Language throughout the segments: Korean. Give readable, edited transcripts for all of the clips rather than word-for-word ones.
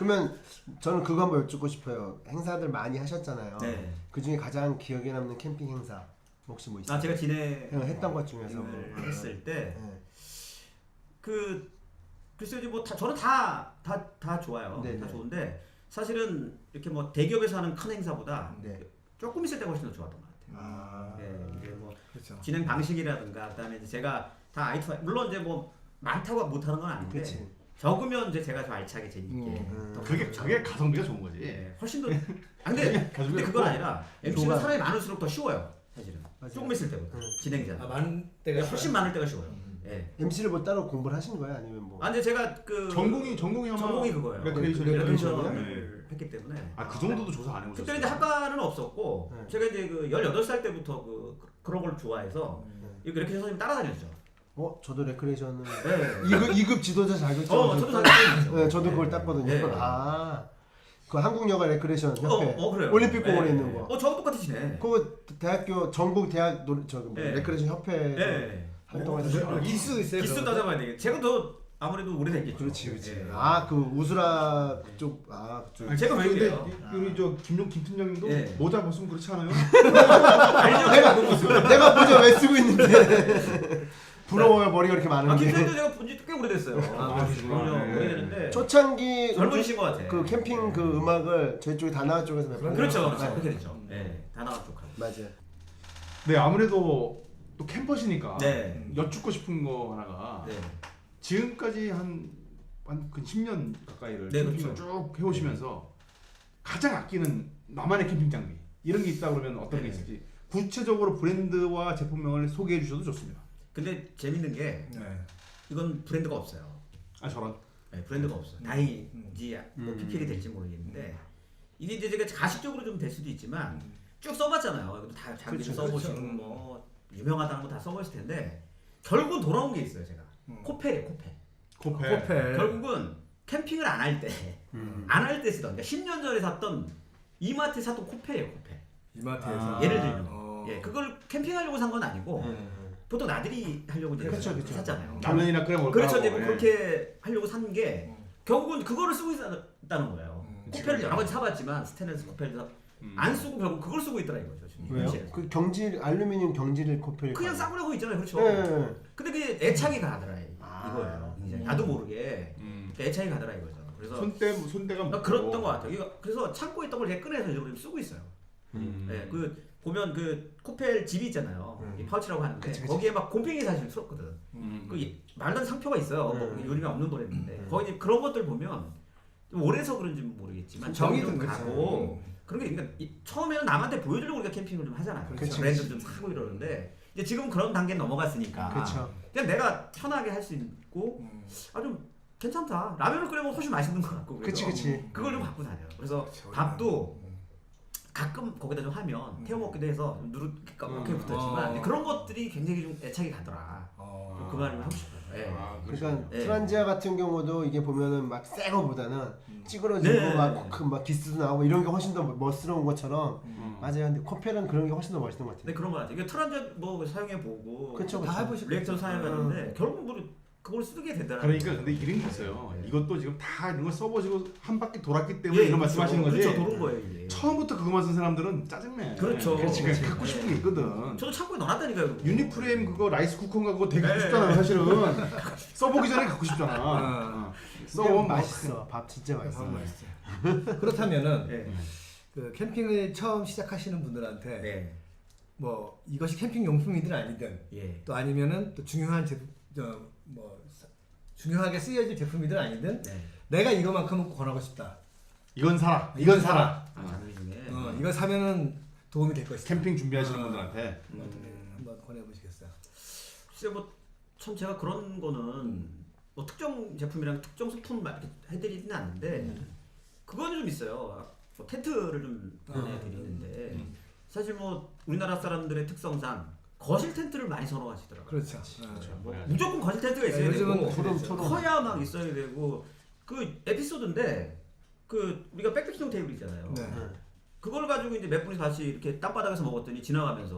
그러면 저는 그거 한번 여쭙고 싶어요. 행사들 많이 하셨잖아요. 네. 그 중에 가장 기억에 남는 캠핑 행사 혹시 뭐 있어요? 제가 했던 것 중에서 했을 때 네. 글쎄요, 뭐 저는 다 좋아요. 네네. 다 좋은데 사실은 이렇게 뭐 대기업에서 하는 큰 행사보다 네. 조금 있을 때가 훨씬 더 좋았던 것 같아요. 이제 뭐 그렇죠. 진행 방식이라든가 그다음에 이제 제가 다 I2I 물론 이제 뭐 많다고 못하는 건 아닌데 그치. 적으면 이제 제가 좀 알차게 재밌게 더 그게 가성비가 좋은 거지. 네, 훨씬 더 근데 그건 아니라 MC는 사람이 많을수록 더 쉬워요. 사실은 맞아요. 조금 있을 때보다 진행자는 많은 때가 훨씬 많을 때가 쉬워요. MC를 뭐 따로 공부를 하신 거예요? 아니면 뭐? 근데 제가 전공이 아마 전공이 그거예요. 레크레이션을 했기 때문에 그 정도도 조사 안 해보셨어요? 그때 이제 학과는 없었고 네. 제가 이제 그 18살 때부터 그런 걸 좋아해서 이렇게 선생님 따라다녔죠. 저도 레크레이션을 네. 2급 지도자 자격증. 저도 자격증. 네, 저도 그걸 땄거든요. 네. 그 한국여가 레크레이션 협회 그래요. 올림픽 공원에 네. 있는 거. 저하고 똑같으시네. 그 대학교 전국 대학 네. 레크레이션 협회 네. 활동하셨어요. 기수 있어요. 기수 따져봐야 되겠. 제가 더 아무래도 오래됐겠죠. 그렇지. 네. 그 우수라 쪽 그쪽. 제가 왜 그래요? 우리 김 팀장님도 네. 모자 벗으면 그렇지 않아요? 내가 모자 왜 쓰고 있는데. 부러워요. 머리가 이렇게 많은 게. 김선도 제가 본지 꽤 오래됐어요. 그러시구나. 네. 오래됐는데 초창기 젊으신 것 같아. 그 캠핑 그 음악을 저희 쪽에 다나와 쪽에서 몇 번. 그렇죠. 네. 그렇게 됐죠. 네. 다나와 쪽. 맞아요. 네, 아무래도 또 캠퍼시니까 네. 여쭙고 싶은 거 하나가 네. 지금까지 한 10년 가까이를 네, 캠핑을 그렇죠. 쭉 해오시면서 가장 아끼는 나만의 캠핑 장비 이런 게 있다 그러면 어떤 게 네. 있을지 구체적으로 브랜드와 제품명을 소개해 주셔도 좋습니다. 근데 재밌는 게 이건 브랜드가 없어요. 저런. 네, 브랜드가 없어요. 다행이지 뭐 PPL이 될지 모르겠는데 이게 이제 제가 가식적으로 좀 될 수도 있지만 쭉 써봤잖아요. 다 장비를 써보시고 뭐 유명하다는 거 다 써보실 텐데 결국은 돌아온 게 있어요. 제가 코펠이에요. 코펠. 결국은 캠핑을 안 할 때 쓰던 그러니까 10년 전에 샀던 이마트에 샀던 코펠이에요. 코펠. 이마트에서 예를 들면 그걸 캠핑하려고 산 건 아니고 보통 나들이 하려고 이제 그렇죠. 샀잖아요. 라면이나 끓여 먹을까 그렇죠. 이제 하고, 뭐 그렇게 하려고 산 게 결국은 그거를 쓰고 있다는 거예요. 코펠을 여러 가지 사봤지만 스테인리스 코펠도 안 쓰고 결국 그걸 쓰고 있더라 이거죠. 지금 왜요? 현실에서. 그 경질 알루미늄 코펠. 그냥 싸구려고 있잖아요. 그렇죠. 네. 근데 그게 애착이 가더라 이거예요. 이제 나도 모르게 애착이 가더라 이거죠. 그래서 손대가 그랬던 것 같아요. 그래서 참고 있던 걸 이렇게 꺼내서 이제 쓰고 있어요. 네, 보면 그 코펠 집이 있잖아요. 이 파우치라고 하는데 그치. 거기에 막 곰팡이 사실 풀었거든. 말도 안 상표가 있어요. 뭐 요리가 없는 브랜드인데 거기 이제 그런 것들 보면 좀 오래서 그런지 모르겠지만 정이 좀 가고 그런 게 그러니까 처음에는 남한테 보여주려고 우리가 캠핑을 좀 하잖아요. 그렇죠. 브랜드 좀 사고 이러는데 이제 지금 그런 단계 넘어갔으니까 그렇죠. 그냥 내가 편하게 할 수 있고 좀 괜찮다. 라면을 끓여먹으면 훨씬 맛있는 것 같고 그래서 그치. 그걸 좀 갖고 다녀요. 그래서 밥도 가끔 거기다 좀 하면 태워 먹기도 해서 누렇게 붙었지만 그런 것들이 굉장히 좀 애착이 가더라. 그 말을 하고 싶어요. 네. 그러니까 네. 트란지아 같은 경우도 이게 보면은 막 새 거보다는 찌그러지고 네. 막 기스도 나오고 이런 게 훨씬 더 멋스러운 것처럼 맞아요. 근데 코펠은 그런 게 훨씬 더 멋있는 것 같아요. 네, 그런 거 같아요. 이게 트란즈 뭐 사용해 보고 그쵸, 다 그쵸. 해보시고 리액션 사용했는데 결국 뭐 그걸 쓰게 되더라고요. 그러니까 근데 이런 게 있어요. 이것도 지금 다 이런 걸 써보시고 한 바퀴 돌았기 때문에 이런 말씀하시는 거지. 그렇죠, 도는 거예요 이게. 처음부터 그거만 쓴 사람들은 짜증내. 그렇죠. 그렇지. 그냥 갖고 싶은 게 있거든. 저도 창고에 넣어놨다니까요. 유니프레임 그거 라이스 쿠커인가 그거 되게 갖고 네. 싶잖아요 사실은. 써보기 전에 갖고 싶잖아. 써보면 맛있어. 밥 진짜 맛있어. 그렇다면은 네. 그 캠핑을 처음 시작하시는 분들한테 네. 뭐 이것이 캠핑 용품이든 아니든 예. 또 아니면은 또 중요한 중요하게 쓰여질 제품이든 아니든 네. 내가 이거만큼은 권하고 싶다. 이건 사라. 이건 사라. 장비 중에. 이거 사면은 도움이 될 것이다. 캠핑 준비하시는 분들한테. 한번 권해보시겠어요? 글쎄 뭐참 제가 그런 거는 뭐 특정 제품이랑 특정 소품 막 이렇게 해드리지는 않는데 그거는 좀 있어요. 뭐 텐트를 좀 보내드리는데 사실 뭐 우리나라 사람들의 특성상 거실 텐트를 많이 선호하시더라고요. 그렇죠. 뭐 무조건 거실 텐트가 있어야 요즘은 되고 커야 막 있어야 되고 그 에피소드인데 그 우리가 백패킹 테이블 있잖아요. 네. 그걸 가지고 이제 몇 분이 같이 이렇게 땅바닥에서 먹었더니 지나가면서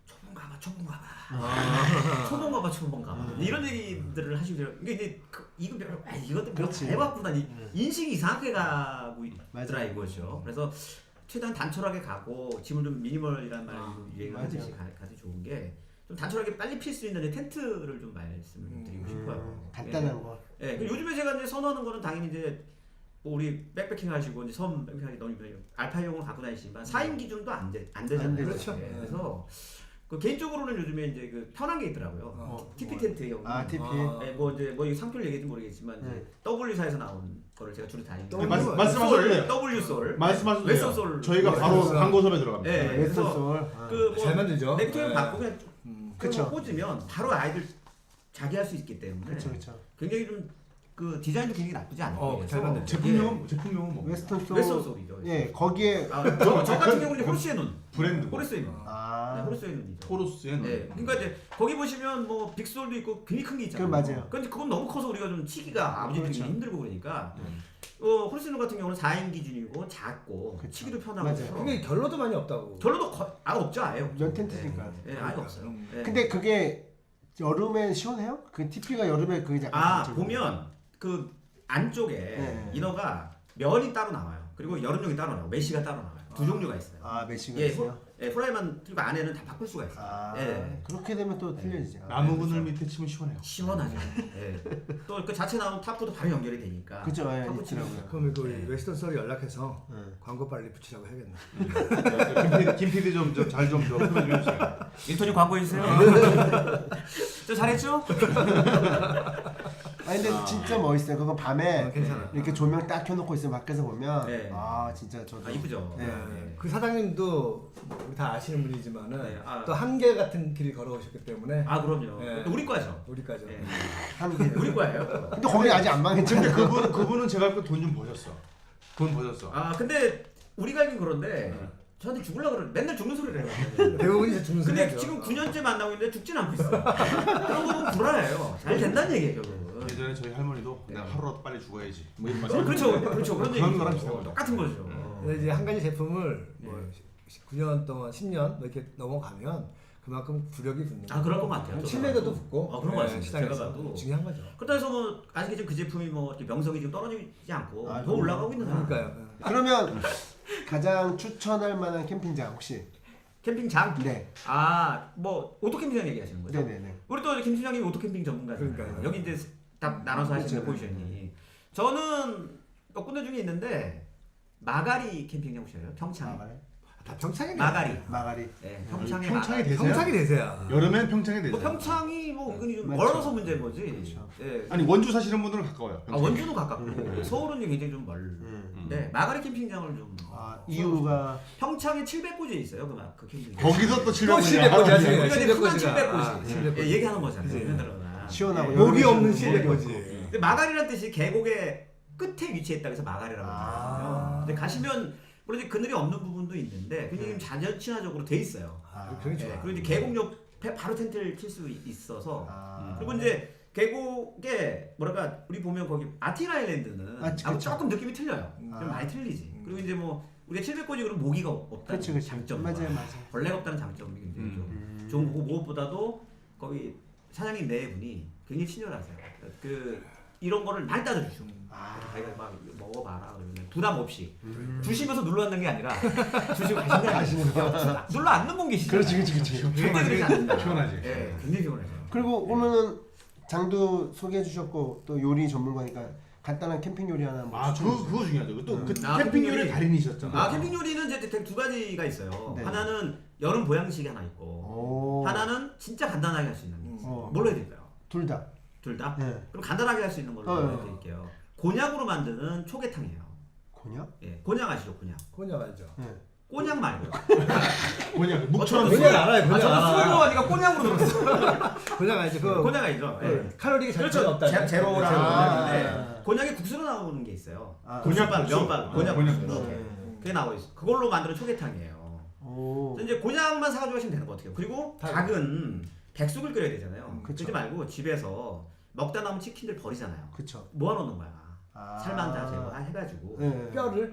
초봉 가봐. 초봉 가봐. 이런 얘기들을 하시고 이게 이제 이것도 별로 그렇지. 해봤구나. 인식이 이상하게 가고 있더라 맞아. 이거죠. 그래서 최대한 단촐하게 가고 짐을 좀 미니멀이라는 말을 유행하듯이 가도 좋은 게 좀 단촐하게 빨리 필 수 있는 텐트를 좀 말씀을 드리고 싶어요. 간단한 거. 예, 요즘에 제가 이제 선호하는 거는 당연히 이제 뭐 우리 백패킹 하시고 이제 섬 백패킹 너무 알파용을 갖고 다니시지만 4인 기준도 안 되잖아요. 안 되죠. 그렇죠. 예, 그래서 그 개인적으로는 요즘에 이제 그 편한 게 있더라고요. TP 텐트용. TP. 예, 뭐 이제 뭐 이 상표를 얘기할지 모르겠지만 이제 W사에서 나온 거를 제가 주로 다니는. 말씀하세요. W솔. 말씀하셔도 웨스솔. 돼요. 저희가 바로 광고섭에 들어갑니다. 예, 그래서 웨스솔. 그뭐 잘 만들죠. 네거티브 받고 그냥 그쵸. 꽂으면 바로 아이들 자기 할 수 있기 때문에 그렇죠. 굉장히 좀 그 디자인도 굉장히 나쁘지 않아요. 잘 만든 제품명은 뭐? 웨스턴 솔. 웨스턴 솔이죠. 예, 거기에 저 같은 경우는 호르스의 눈. 브랜드. 호르스의 눈. 네, 호르스의 눈이죠. 토르스의 눈. 네, 그러니까 이제 거기 보시면 뭐 빅솔도 있고 굉장히 큰 게 있잖아요. 그건 맞아요. 근데 그건 너무 커서 우리가 좀 치기가 아버지들이 그렇죠. 힘들고 그러니까 호르스의 눈 같은 경우는 4인 기준이고 작고 그쵸. 치기도 편하고 맞아요. 해서 근데 결로도 많이 없다고. 결로도 없죠, 아예 없죠. 연 텐트니까. 네, 아예 없어요. 네. 근데 그게 여름엔 시원해요? 그 TP가 여름에 그게 약간 보면 그 안쪽에 네. 이너가 면이 따로 나와요. 그리고 여름용이 따로 나와요. 메쉬가 따로 나와요. 두 종류가 있어요. 메쉬가 예, 있어요? 프라이만 그리고 안에는 다 바꿀 수가 있어요. 예. 그렇게 되면 또 틀려지죠. 나무 그늘 밑에 치면 시원해요. 시원하죠. 예. 또 그 자체 나온 탑도 바로 연결이 되니까. 그죠, 예, 탑 붙이면 있더라고요. 그럼 그 네. 웨스턴 썰이 연락해서 광고 빨리 붙이라고 해야겠네. 김 PD 잘좀 표현 좀 해주세요. 인턴이 광고해 주세요. 저 잘했죠? 근데 진짜 멋있어요. 그거 밤에 괜찮아. 이렇게 조명 딱 켜놓고 있으면 밖에서 보면 네. 진짜 저도 이쁘죠. 네. 그 사장님도 우리 다 아시는 분이지만은 네, 또 한계 같은 길을 걸어오셨기 때문에 그럼요. 네. 또 우리 과죠. 우리까지. 예. 한개 우리 과예요. 근데 거기 아직 안 근데 망했잖아요. 그분은 제가 알고 돈 좀 버셨어. 돈 버셨어. 근데 우리가 알긴 그런데 저한테 죽으려고 그래. 맨날 죽는 소리를 해요. 대부분 이제 죽는 근데 소리죠. 지금 9년째 만나고 있는데 죽진 않고 있어. 그런 거 보면 불안해요. 잘 된다는 얘기예요, 결국은. 예전에 저희 할머니도 내가 하루라도 빨리 죽어야지. 뭐 이런 말씀. 그렇죠. 그런 그런 얘기죠. 거랑 비슷한 거죠. 똑같은 거죠. 근데 이제 한 가지 제품을 뭐 9년 동안 10년 뭐 이렇게 넘어가면 그만큼 구력이 붙는 거예요. 그럴 것 같아요. 저도. 신뢰도도 붙고 그런 거 같습니다. 시장에서 제가 봐도. 중요한 거죠. 그렇다 해서 뭐 아직 지금 그 제품이 뭐 이렇게 명성이 지금 떨어지지 않고 더 그럼요. 올라가고 있는 상황. 그러니까요. 그러면 가장 추천할 만한 캠핑장 혹시? 캠핑장? 네. 뭐 오토 캠핑장 얘기하시는 거죠? 네네네. 우리 또 김 팀장님이 오토 캠핑 전문가잖아요. 그러니까요. 여기 이제 딱 나눠서 하시는 그렇죠. 포지션이. 저는 몇 군데 중에 있는데 마가리 캠핑장 혹시 알아요? 평창. 다 평창이 마가리. 네, 평창에 평창이 되세요? 평창이 되세요. 여름엔 평창에 되죠. 뭐 평창이 뭐 은근히 좀 맞죠. 멀어서 문제인 거지. 그렇죠. 예. 아니 원주 사시는 분들은 가까워요. 원주도 가깝고 서울은 굉장히 좀 멀는데 마가리 캠핑장을 좀 이유가 평창에 700고지에 있어요. 그 캠핑장. 거기서 또 또 700원이야. 700고지 하지. 우리가 이제 흔한 700고지가. 700고지. 예, 얘기하는 거잖아요. 그치. 흔들어나. 시원하고 목이 여름에 없는 목이 700고지. 없고. 근데 마가리라는 뜻이 계곡의 끝에 위치했다 그래서 마가리라고 하거든요. 근데 가시면 물론 이제 그늘이 없는 부분도 있는데 굉장히 자연 친화적으로 돼 있어요. 그게 좋아. 예, 그리고 이제 계곡 옆에 바로 텐트를 칠 수 있어서 아. 그리고 이제 계곡에 뭐랄까 우리 보면 거기 아틴 아일랜드는 그쵸. 조금 느낌이 틀려요. 좀 많이 틀리지. 그리고 이제 뭐 우리가 700고지 그러면 모기가 없다는 그치. 장점, 맞아요. 벌레가 없다는 장점이 굉장히 좀 좋은 거고 무엇보다도 거기 사장님 네 분이 굉장히 친절하세요. 이런 거를 많이 따져주시고 자기가 막 먹어봐라 그러면 부담 없이 주시면서 눌러 앉는 게 아니라 주시고 가시는 거야. 눌러 앉는 분 계시죠. 그렇지. 절대 그러지 않는다. 시원하지. 예, 굉장히 시원하죠. 그리고 오면은 장도 소개해 주셨고 또 요리 전문가니까 간단한 캠핑 요리 하나 뭐 그거 중요하죠. 또 그 캠핑 캠핑 요리. 요리 달인이셨잖아. 캠핑 요리는 이제 두 가지가 있어요. 네. 하나는 여름 보양식이 하나 있고 오. 하나는 진짜 간단하게 할 수 있는 게 있어요. 어. 뭘로 해드릴까요? 둘 다. 둘 다? 네. 그럼 간단하게 할 수 있는 걸로 해드릴게요. 곤약으로 만드는 초계탕이에요. 곤약? 예, 곤약 아시죠? 곤약. 곤약 알죠? 네. 꼬냑 말고. 그냥 묵처럼 곤약 알아요. 곤약 저는 알아. 술 좋아하니까 꼬냑으로 들었어. 곤약 알죠? 그 곤약 알죠? 예. 칼로리가 잘 그렇죠. 없다. 제로라는 아. 곤약인데 곤약이 국수로 나오는 게 있어요. 곤약 국수빵, 국수. 면빵, 곤약 곤약 국수. 국수. 이렇게. 그게 나오고 있어. 그걸로 만드는 초계탕이에요. 오. 그래서 이제 곤약만 사가지고 하시면 되는 것 같아요. 그리고 닭은 백숙을 끓여야 되잖아요. 그쵸. 그러지 말고 집에서 먹다 남은 치킨들 버리잖아요. 그쵸. 모아놓는 거야. 아. 살만 다 제거해가지고. 네. 뼈를 예?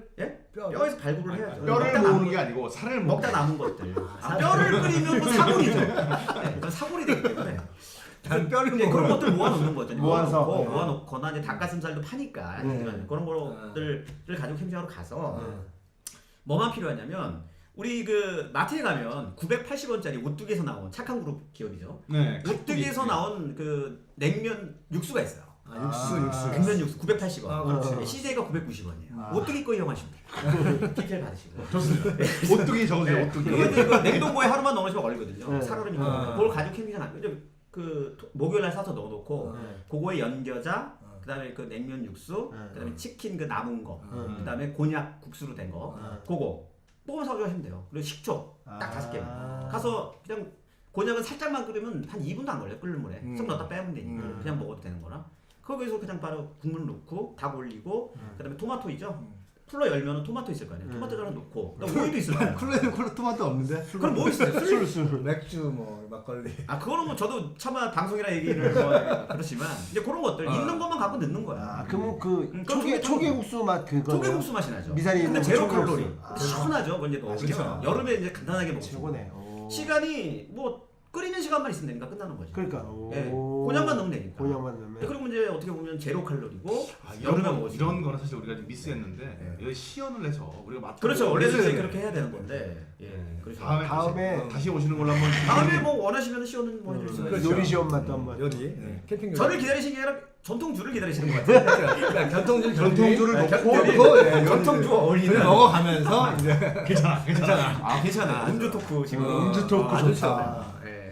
뼈에서 발굴을 해야죠. 뼈를 먹다 모으는 남은 게 거- 아니고 살을 먹. 먹다 남은 것들. 뼈를 끓이면 뭐 사골이죠. 네, 그건 사골이 되기 때문에. 단 뼈를 예, 그런 먹어요. 것들 모아놓는 거죠. 모아서. 모아놓거나 이제 닭가슴살도 파니까 그런 것들을 가지고 캠핑하러 가서 뭐만 필요하냐면 우리 그 마트에 가면 980원짜리 오뚜기에서 나온 착한 그룹 기업이죠. 네. 오뚜기에서 나온 그 냉면 육수가 있어요. 육수. 냉면 육수 980원. 아, 그렇지. CJ가 990원이에요. 오뚜기 거 이용하시면 돼요. PPL 받으시고. 좋습니다. 오뚜기 적으세요. 네. 오뚜기. 그거 이제 그 냉동고에 하루만 넣으시면 걸리거든요. 네. 살얼음이니까. 그걸 가지고 캠핑에 나. 그 목요일 날 사서 넣어놓고 네. 그거에 연겨자, 그다음에 그 냉면 육수, 그다음에 치킨 그 남은 거, 그다음에 곤약 국수로 된 거, 그거 뽑아서 가져가시면 돼요. 그리고 식초 딱 5개. 가서 그냥 곤약은 살짝만 끓이면 한 2분도 안 걸려요. 끓는 물에 쏙 넣었다 빼면 되니까 그냥 먹어도 되는 거라. 거기서 그냥 바로 국물 넣고 닭 올리고 그다음에 토마토 있죠. 쿨러 열면은 토마토 있을 거 아니에요. 토마토 하나 넣고 그다음에 오이도 있을 거예요. 쿨러에 토마토 없는데? 그럼 뭐 있어요? 술. 맥주 뭐 막걸리. 아 그거는 뭐 저도 차마 방송이라 얘기를 뭐 그렇지만 이제 그런 것들 있는 것만 갖고 넣는 거야. 아, 그럼 그 그럼 초계국수 맛 그거. 초계국수 맛이 나죠. 미사리 근데 있는 제로 초계국수. 칼로리. 아. 시원하죠. 그건 이제 그렇죠. 먹으면 여름에 이제 간단하게 먹고 최고네. 시간이 뭐 끓이는 시간만 있으면 되니까 끝나는 거죠. 그러니까. 예, 곤약만 넣으면 되니까. 곤약만 넣으면. 그리고 이제 어떻게 보면 제로 칼로리고 이런 여름에 거 먹을 수 이런 있는. 거는 사실 우리가 좀 미스했는데 여기 시연을 해서 우리가 맛. 그렇죠. 원래는 이제 그렇게 해야 되는 건데. 예. 그렇죠. 다음에 다시 오시는 걸로 한번. 다음에 뭐 원하시면 시연은 뭐 해줄 수가 그렇죠. 있어요. 요리 시험 맛도 한번. 요리. 네. 캠핑 요리. 저를 기다리시는 게 아니라 전통주를 기다리시는 것 같아요. 그러니까 전통주를 전통주를 넣고 예, 전통주와 어울리는 그걸 먹어가면서 이제 괜찮아. 아 괜찮아. 음주 토크 지금. 음주 토크 아주 좋다. 좋다. 예.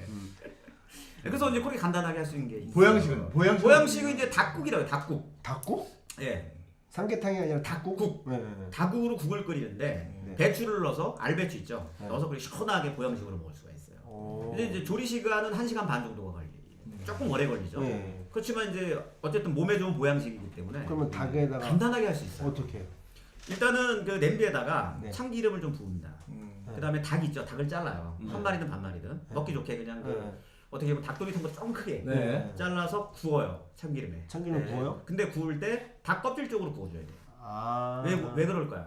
그래서 이제 그렇게 간단하게 할 수 있는 게 있어요. 보양식은 보양식은 이제 닭국이라고 해요. 닭국. 닭국? 예. 삼계탕이 아니라 닭국? 국. 네. 닭국으로 국을 끓이는데 네. 배추를 넣어서 알배추 있죠. 네. 넣어서 그렇게 시원하게 보양식으로 먹을 수가 있어요. 오. 근데 이제 조리 시간은 1시간 반 정도가 걸려요. 조금 오래 걸리죠. 네. 그렇지만 이제 어쨌든 몸에 좋은 보양식이기 때문에 그러면 닭에다가 간단하게 할 수 있어요. 어떻게 해요? 일단은 그 냄비에다가 네. 참기름을 좀 부읍니다. 그다음에 닭 있죠. 닭을 잘라요. 한 마리든 반 마리든 먹기 좋게 그냥 그 네. 어떻게 보면 닭도리탕 거 좀 크게 네. 잘라서 구워요. 참기름에. 참기름 구워요? 근데 구울 때 닭 껍질 쪽으로 구워줘야 돼요. 아. 왜 그럴까요?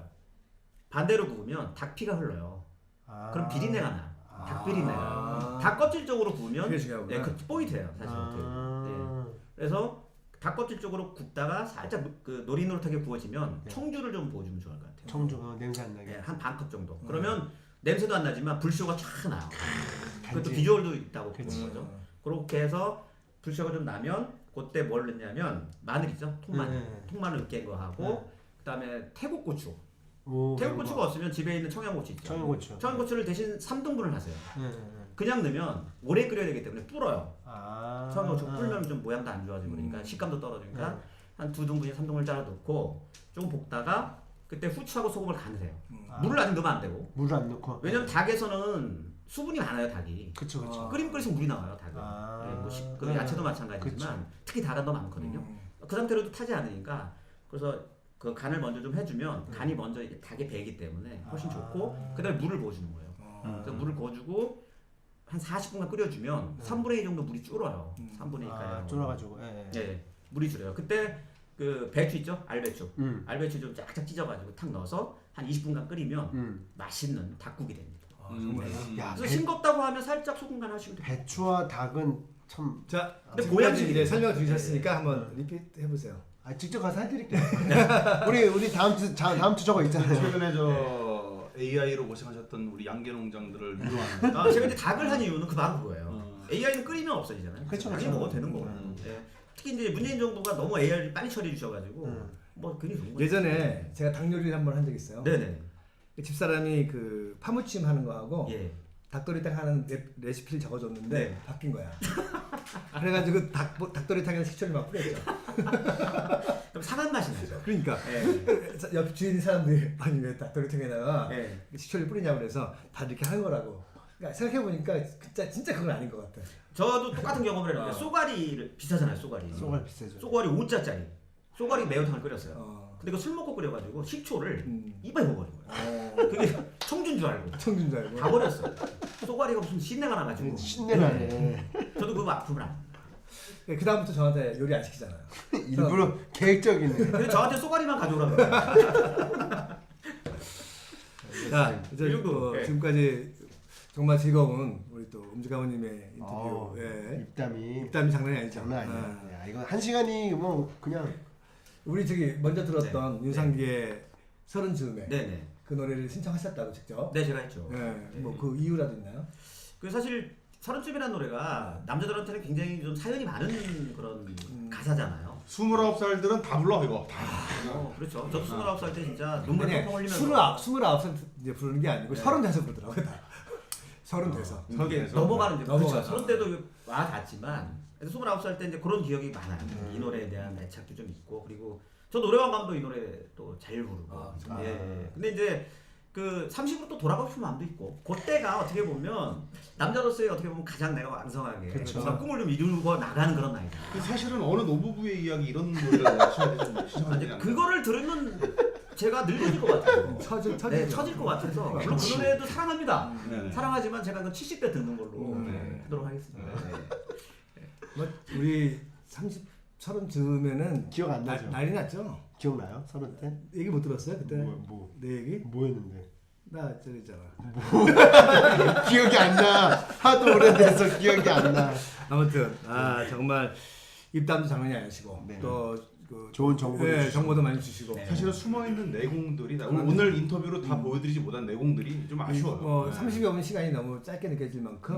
반대로 구우면 닭 피가 흘러요. 아. 그럼 비린내가 나. 닭 비린내가. 아. 닭 껍질 쪽으로 구우면 그게 중요하구나. 그 포인트예요, 사실. 아. 네. 그래서 닭 껍질 쪽으로 굽다가 살짝 그 노릇노릇하게 구워지면 네. 청주를 좀 부어주면 좋을 것 같아요. 청주 냄새 안 나게. 네, 한 반 컵 정도. 그러면 냄새도 안 나지만 불쇼가 쫙 나요. 그것도 간지. 비주얼도 있다고 그치. 보는 거죠. 그렇게 해서 불쇼가 좀 나면 그때 뭘 넣냐면 마늘 있죠? 통마늘. 네. 통마늘 으깬 거 하고 그다음에 태국고추. 오, 태국고추가 없으면 집에 있는 청양고추 있죠. 청양고추. 청양고추를 대신 3등분을 하세요. 네. 그냥 넣으면 오래 끓여야 되기 때문에 불어요. 아. 청양고추 불면 좀 모양도 안 좋아지고 그러니까 식감도 떨어지니까 한 2등분에 3등분을 잘라 넣고 조금 볶다가 그때 후추하고 소금을 간을 해요. 물을 아직 넣으면 안 되고. 물을 안 넣고. 왜냐면 닭에서는 수분이 많아요, 닭이. 그쵸 그쵸. 끓이면 물이 나와요, 닭은. 아. 네, 뭐 그 야채도 마찬가지지만 특히 닭은 더 많거든요. 그 상태로도 타지 않으니까 그래서 그 간을 먼저 좀 해주면 간이 먼저 닭에 배기 때문에 훨씬 좋고 그다음에 물을 부어주는 거예요. 그래서 물을 부어주고 한 40분간 끓여주면 3분의 2 정도 물이 줄어요. 3분의 2 아, 가량. 줄어가지고. 예. 네, 물이 줄어요. 그때 그 배추 있죠? 알배추. 음. 알배추 좀 쫙쫙 찢어가지고 탁 넣어서 한 20분간 끓이면 맛있는 닭국이 됩니다. 야, 그래서 싱겁다고 하면 살짝 소금 간 하시면 돼요. 배추와 닭은 참. 자, 근데 지금까지 보양식이 이제 설명 드리셨으니까 한번 리피트 해보세요. 아, 직접 가서 해드릴게요. 우리 다음 주 저거 있잖아요. 최근에 저 AI로 고생하셨던 우리 양계 농장들을 위로하는. 제가 이제 닭을 한 이유는 바로 그거예요. AI는 끓이면 없어지잖아요. 그쵸, 당연히 그쵸. 먹어도 되는 거고. 예. 특히 이제 문재인 정부가 너무 AI를 빨리 처리해 주셔가지고 뭐 그게 좋은 거예요. 예전에 제가 닭 요리를 한번 한 적 있어요. 네네. 집사람이 그 파무침 하는 거하고 예. 닭도리탕 하는 레시피를 적어줬는데 네. 바뀐 거야. 그래가지고 닭도리탕에 식초를 막 뿌렸죠. 그럼 상한 맛이 나죠. 그러니까 예. 옆 주인 사람들이 아니 왜 닭도리탕에다가 예. 식초를 뿌리냐고 그래서 다 이렇게 하는 거라고. 그러니까 생각해보니까 진짜 그건 아닌 것 같아. 저도 똑같은 경험을 했는데 쏘가리를 비싸잖아요. 쏘가리. 쏘가리 비싸죠. 쏘가리 5자짜리. 쏘가리 매운탕을 끓였어요. 어. 근데 그 술 먹고 끓여가지고 식초를 음. 입에 먹어버린 거예요. 그게 청주인 줄 알고 청준 줄 알고. 다 버렸어요. 쏘가리가 무슨 신내가 나가지고. 신내나네. 저도 그거 아픔을 안. 그 다음부터 저한테 요리 안 시키잖아요. 일부러 계획적이네. 근데 저한테 쏘가리만 가져오라고. 그래요. 자, 이 정도. 예. 지금까지 정말 즐거운 우리 또 음주가모님의 인터뷰. 예. 입담이 장난이 아니죠. 장난 아니야. 야, 이거 한 시간이 뭐 그냥 우리 저기 먼저 들었던 윤상기의 서른 즈음에 네네. 그 노래를 신청하셨다고 직접. 네, 제가 했죠. 예. 뭐 그 이유라도 있나요? 그 사실 서른쯤이라는 노래가 남자들한테는 굉장히 좀 사연이 많은 그런 가사잖아요. 29살들은 다 불러 이거. 다. 그렇죠. 저도 29살 때 진짜 눈물 아니, 펑펑 흘리면서 29살 이제 부르는 게 아니고 30대에서 부르더라고요. 다. 30대에서. 이게 넘어가는 이제 그렇죠. 넘어가죠. 서른 때도 와 닿지만 29살 때 이제 그런 기억이 많아요. 이 노래에 대한 애착도 좀 있고 그리고 저 노래방 가면 이 노래 또 잘 부르고. 예. 근데 이제 그 30으로 또 돌아가고 싶은 마음도 있고 그때가 어떻게 보면 남자로서의 어떻게 보면 가장 내가 왕성하게 정말 꿈을 좀 이루고 나가는 그런 나이다. 사실은 어느 노부부의 이야기 이런 노래를 시청하는 아니, 그거를 들으면 제가 늙어질 것 같아요. 처질 처질 것 같아서 물론 그 노래도 사랑합니다. 네. 사랑하지만 제가 그 70대 듣는 걸로 하도록 하겠습니다. 뭐 우리 30 즈음에는 기억 안 나죠? 난리 났죠. 기억나요? 30 때? 얘기 못 들었어요 그때? 내 얘기? 뭐였는데? 나 저기 있잖아. 기억이 안 나. 하도 오래돼서 기억이 안 나. 아무튼 정말 입담도 장난이 아니시고 네. 또그 좋은 정보를 정보도 많이 주시고 사실은 숨어있는 내공들이 오늘 인터뷰로 다 보여드리지 못한 내공들이 좀 아쉬워요. 뭐 30여 분 시간이 너무 짧게 느껴질 만큼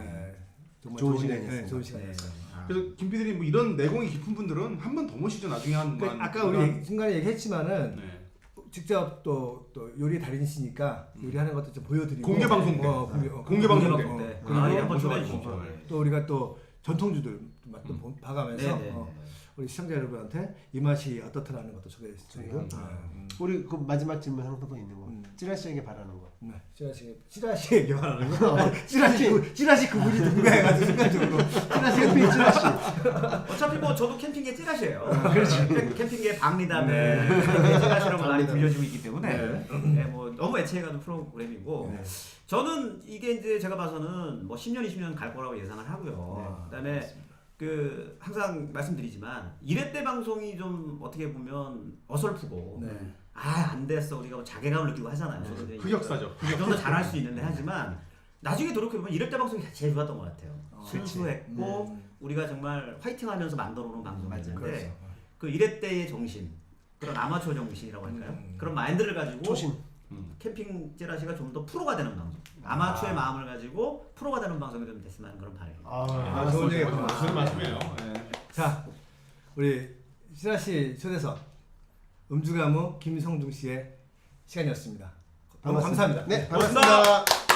정말 좋은 좋은 시간이었어요. 좋은 시간이었어요. 그래서 김 PD님 뭐 이런 내공이 깊은 분들은 한 번 더 모시죠. 나중에 한 그러니까 아까 우리 중간에 얘기했지만은 네. 직접 또 요리 달인이시니까 요리하는 것도 좀 보여드리고 공개 방송 때. 공개 방송 때. 네. 그리고 아, 예, 한번 또 초대해 주십시오. 또 우리가 또 전통주들 맛도 봐가면서 네네. 우리 시청자 여러분한테 이 맛이 어떻더라는 것도 소개해드리고 우리 그 마지막 질문 하나 더 있는 거. 찌라시에게 바라는 거. 네, 찌라시에게 말하는 거. 찌라시 그분이 누군가 해가지고 순간적으로 찌라시. 어차피 뭐 저도 캠핑계 찌라시예요. 그렇지. 캠핑계 박리담에 찌라시라고 많이 불려지고 있기 때문에 네, 뭐 너무 애착가는 프로그램이고 저는 이게 이제 제가 봐서는 뭐 10년 20년 갈 거라고 예상을 하고요. 그다음에 그 항상 말씀드리지만 1회 때 방송이 좀 어떻게 보면 어설프고 안 됐어 우리가 뭐 자괴감을 느끼고 하잖아요. 흑역사죠. 좀 더 잘할 수 있는데 하지만 나중에 돌이켜보면 1회 때 방송이 제일 좋았던 것 같아요. 순수했고 우리가 정말 화이팅하면서 만들어놓은 방송이었는데 그 1회 때의 정신 그런 아마추어 정신이라고 할까요? 그런 마인드를 가지고 초심. 캠핑 찌라시가 좀 더 프로가 되는 방송 아마추어의 마음을 가지고 프로가 되는 방송이 좀 됐으면 하는 그런 바람입니다. 좋은 얘기 무슨 말씀이에요? 자, 우리 찌라시 초대석 음주가무 김성중 씨의 시간이었습니다. 너무 감사합니다. 네, 반갑습니다.